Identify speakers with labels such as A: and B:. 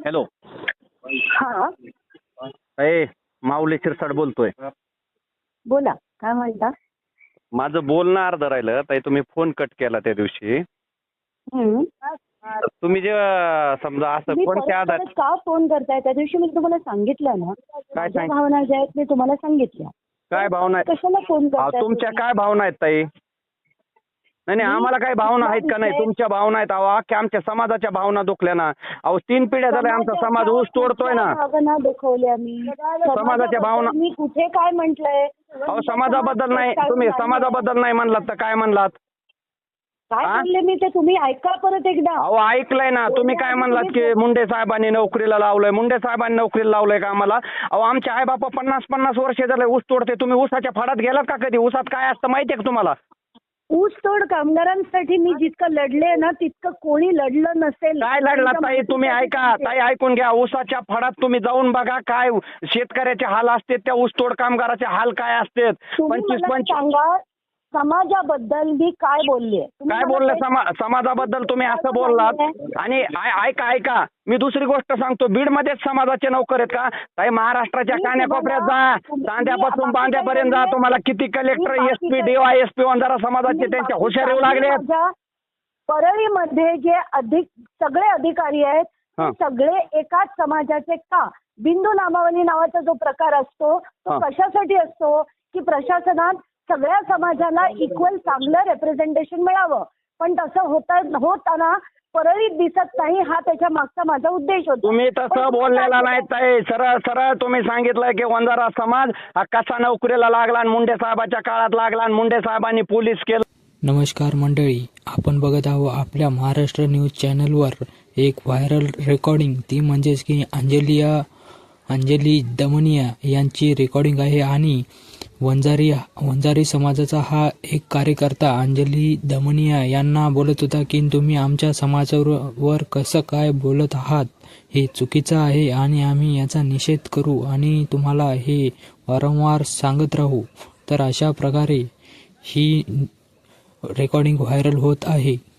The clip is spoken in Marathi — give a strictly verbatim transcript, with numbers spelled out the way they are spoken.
A: हॅलो.
B: हा
A: ए माऊली शिरसाट बोलतोय.
B: बोला, काय म्हणता?
A: माझं बोलणं अर्ध राहिलं ताई, तुम्ही फोन कट केला त्या दिवशी.
B: हम्म.
A: तुम्ही जे समजा असं
B: तुम्ही
A: कोणत्या
B: परत
A: आधार
B: परत का फोन करताय? त्या दिवशी मी तुम्हाला सांगितलं ना, माझ्या
A: सांग-
B: भावना ज्या आहेत मी तुम्हाला सांगितल्या.
A: काय भावना आहेत?
B: कशाला फोन
A: अहो,
B: करताय
A: तुमच्या
B: तुम्ही?
A: काय भावना आहेत ताई? नाही नाही
B: मी
A: आम्हाला काय भावना आहेत का नाही?
B: विषय-
A: तुमच्या भावना आहेत. अहो अख्ख्या आमच्या समाजाच्या भावना दुखल्या ना. अहो तीन पिढ्या झाल्या आमचा समाज
B: समाजाच्या
A: ऊस तोडतोय ना.
B: कुठल्या भावना दुखवल्या मी?
A: समाजाच्या भावना-
B: मी कुठे काय म्हंटलय?
A: अहो समाजाबद्दल नाही, तुम्ही समाजाबद्दल नाही म्हणलात तर काय म्हणलात?
B: काय
A: हा?
B: बोलले मी ते तुम्ही ऐका परत एकदा.
A: अहो ऐकलंय ना. तुम्ही काय म्हणलात की मुंडे साहेबांनी नोकरीला लावलंय, मुंडे साहेबांनी नोकरीला लावलंय का आम्हाला? अहो आमचे आई बापा पन्नास पन्नास वर्ष झाले ऊस तोडते. तुम्ही ऊसाच्या फाडात गेलात का कधी? ऊसात काय असतं माहितीये का तुम्हाला?
B: ऊसतोड कामगारांसाठी मी जितकं लढले ना तितकं कोणी लढलं नसेल.
A: काय लढला ताई? तुम्ही ऐका ताई, ऐकून घ्या. ऊसाच्या फडात तुम्ही जाऊन बघा काय शेतकऱ्याचे हाल असते, त्या ऊसतोड कामगाराचे हाल काय असते.
B: तुम्ही
A: पंचवीस
B: मला
A: पंचवीस
B: सांगा समाजाबद्दल मी काय बोलले? तुम्ही
A: काय
B: मला
A: बोललं?
B: काही-
A: समा समाजाबद्दल तुम्ही असं बोललात. आणि आय- ऐका ऐका मी दुसरी गोष्ट सांगतो. बीड मध्येच समाजाचे नोकर आहेत का ताई? महाराष्ट्राच्या
B: मी
A: कान्याकोपऱ्यात
B: तुम्हाला-
A: जा,
B: तुम्ही-
A: चांद्यापासून
B: बाकी
A: बांद्यापर्यंत जा.
B: काही
A: तुम्हाला किती कलेक्टर,
B: मी
A: एस पी,
B: बाकी
A: D Y S P Vanjara समाजाचे
B: तुम्ही
A: त्यांच्या
B: बाकी
A: हुशार येऊ
B: काही
A: लागले.
B: माझ्या परळीमध्ये जे अधिक सगळे अधिकारी आहेत
A: हा.
B: ते सगळे एकाच समाजाचे का? बिंदू नामावली नावाचा जो प्रकार असतो तो
A: हा.
B: कशासाठी असतो की प्रशासनात सगळ्या समाजाला इक्वल चांगलं रेप्रेझेंटेशन मिळावं. पण तसं होता होताना परळीत दिसत नाही. हा त्याच्या मागचा माझा उद्देश होता.
A: तुम्ही
B: पण
A: तसं
B: तुम्ही
A: बोललेला
B: काय
A: नाही ताई. सरळ सरळ तुम्ही सांगितलं की वंजारा समाज हा कसा नोकरीला लागला आणि मुंडे साहेबाच्या काळात लागला आणि मुंडे साहेबांनी पोलीस केलं.
C: नमस्कार मंडळी, आपण बघत आहोत आपल्या महाराष्ट्र न्यूज चॅनलवर एक व्हायरल रेकॉर्डिंग. ती म्हणजेच की अंजलिया अंजली दमनिया यांची रेकॉर्डिंग आहे. आणि वंजारी वंजारी समाजाचा हा एक कार्यकर्ता अंजली दमनिया यांना बोलत होता की तुम्ही आमच्या समाजावर कसं काय बोलत आहात, हे चुकीचं आहे आणि आम्ही याचा निषेध करू आणि तुम्हाला हे वारंवार सांगत राहू. तर अशा प्रकारे ही रेकॉर्डिंग व्हायरल होत आहे.